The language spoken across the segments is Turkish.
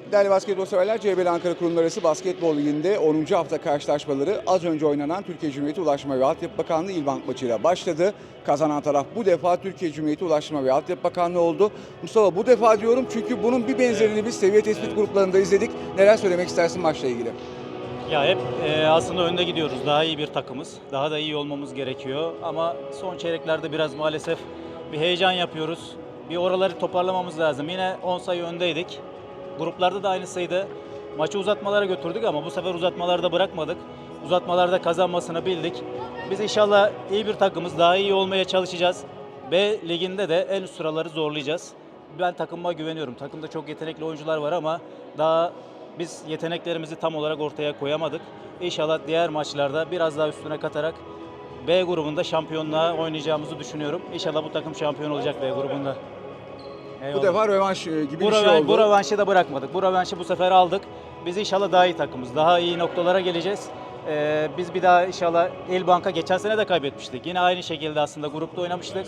Değerli basketbol severler, CBL Ankara Kurumlar Arası Basketbol Ligi'nde 10. hafta karşılaşmaları az önce oynanan Türkiye Cumhuriyeti Ulaştırma ve Altyapı Bakanlığı İlbank maçıyla başladı. Kazanan taraf bu defa Türkiye Cumhuriyeti Ulaştırma ve Altyapı Bakanlığı oldu. Mustafa, bu defa diyorum çünkü bunun bir benzerini biz seviye tespit gruplarında izledik. Neler söylemek istersin maçla ilgili? Ya hep aslında önde gidiyoruz. Daha iyi bir takımız. Daha da iyi olmamız gerekiyor. Ama son çeyreklerde biraz maalesef bir heyecan yapıyoruz. Bir oraları toparlamamız lazım. Yine 10 sayı öndeydik. Gruplarda da aynı sayıda maçı uzatmalara götürdük ama bu sefer uzatmalarda bırakmadık. Uzatmalarda kazanmasını bildik. Biz inşallah iyi bir takımız. Daha iyi olmaya çalışacağız. B liginde de en üst sıraları zorlayacağız. Ben takımıma güveniyorum. Takımda çok yetenekli oyuncular var ama daha biz yeteneklerimizi tam olarak ortaya koyamadık. İnşallah diğer maçlarda biraz daha üstüne katarak B grubunda şampiyonluğa oynayacağımızı düşünüyorum. İnşallah bu takım şampiyon olacak B grubunda. Bu defa rövanş gibi Bu bir şey oldu. Bu rövanşı da bırakmadık. Bu rövanşı bu sefer aldık. Biz inşallah daha iyi takımız. Daha iyi noktalara geleceğiz. Biz bir daha inşallah İlbank'a geçen sene de kaybetmiştik. Yine aynı şekilde aslında grupta oynamıştık.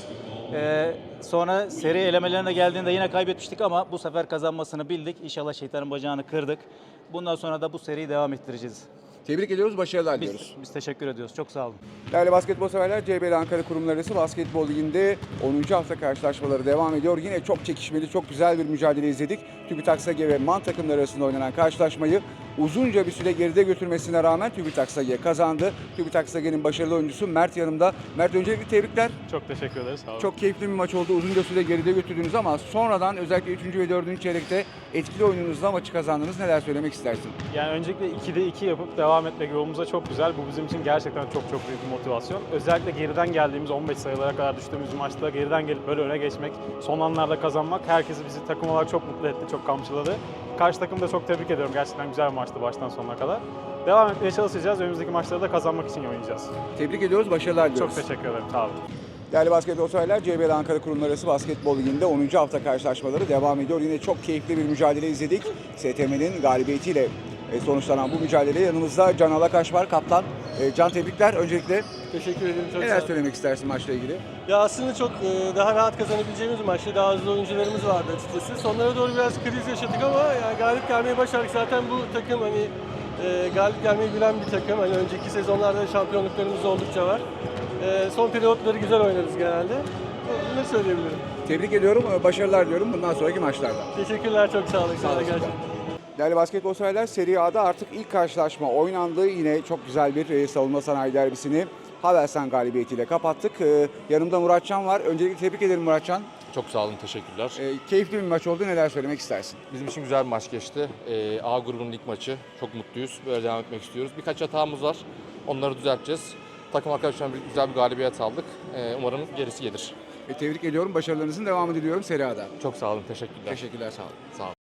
Sonra seri elemelerine geldiğinde yine kaybetmiştik ama bu sefer kazanmasını bildik. İnşallah şeytanın bacağını kırdık. Bundan sonra da bu seriyi devam ettireceğiz. Tebrik ediyoruz, başarılar diliyoruz. Biz teşekkür ediyoruz. Çok sağ olun. Değerli basketbol severler, CBL Ankara Kurumlar Arası Basketbol Ligi'nde 10. hafta karşılaşmaları devam ediyor. Yine çok çekişmeli, çok güzel bir mücadele izledik. TÜBİTAK SAGE ve MAN takımları arasında oynanan karşılaşmayı uzunca bir süre geride götürmesine rağmen TÜBİTAK SAGE kazandı. TÜBİTAK SAGE'nin başarılı oyuncusu Mert yanımda. Mert, öncelikle tebrikler. Çok teşekkür ederiz. Sağ olun. Çok keyifli bir maç oldu. Uzunca süre geride götürdünüz ama sonradan özellikle 3. ve 4. çeyrekte etkili oyununuzla maçı kazandınız. Neler söylemek istersin? Yani öncelikle 2'de 2 yapıp devam etmek yolumuza çok güzel. Bu bizim için gerçekten çok büyük bir motivasyon. Özellikle geriden geldiğimiz 15 sayılara kadar düştüğümüz maçta geriden gelip böyle öne geçmek, son anlarda kazanmak herkesi bizi takım olarak çok mutlu etti, çok kamçıladı. Karşı takımı da çok tebrik ediyorum. Gerçekten güzel bir maçtı baştan sonuna kadar. Devam etmeye çalışacağız. Önümüzdeki maçları da kazanmak için oynayacağız. Tebrik ediyoruz, başarılar diliyoruz. Çok teşekkür ederim. Sağ olun. Değerli basketbol severler, CBL Ankara Kurumlar Arası Basketbol Ligi'nde 10. hafta karşılaşmaları devam ediyor. Yine çok keyifli bir mücadele izledik. STM'nin galibiyetiyle sonuçlanan bu mücadeleye yanımızda Can Alakaş var, kaptan. Can, tebrikler. Öncelikle Teşekkür ederim. Çok sağ neler olun. söylemek istersin maçla ilgili? Ya aslında çok daha rahat kazanabileceğimiz bir maçtı. Daha hızlı oyuncularımız vardı açıkçası. Sonlara doğru biraz kriz yaşadık ama yani galip gelmeyi başardık. Zaten bu takım hani galip gelmeyi bilen bir takım. Hani önceki sezonlarda şampiyonluklarımız oldukça var. Son periyotları güzel oynarız genelde. Ne söyleyebilirim? Tebrik ediyorum, başarılar diliyorum bundan sonraki maçlarda. Teşekkürler, çok sağ olun. Sağ olun olasın. gerçekten. Değerli basketbol severler, Serie A'da artık ilk karşılaşma oynandı. Yine çok güzel bir savunma sanayi derbisini Havelsan galibiyetiyle kapattık. Yanımda Muratcan var. Öncelikle tebrik ederim Muratcan. Çok sağ olun, teşekkürler. Keyifli bir maç oldu. Neler söylemek istersin? Bizim için güzel bir maç geçti. A grubunun ilk maçı. Çok mutluyuz. Böyle devam etmek istiyoruz. Birkaç hatamız var. Onları düzelteceğiz. Takım arkadaşlarımla birlikte güzel bir galibiyet aldık. Umarım gerisi gelir. Tebrik ediyorum. Başarılarınızın devamını diliyorum Serie A'da. Çok sağ olun, teşekkürler. Teşekkürler, sağ olun. Sağ olun.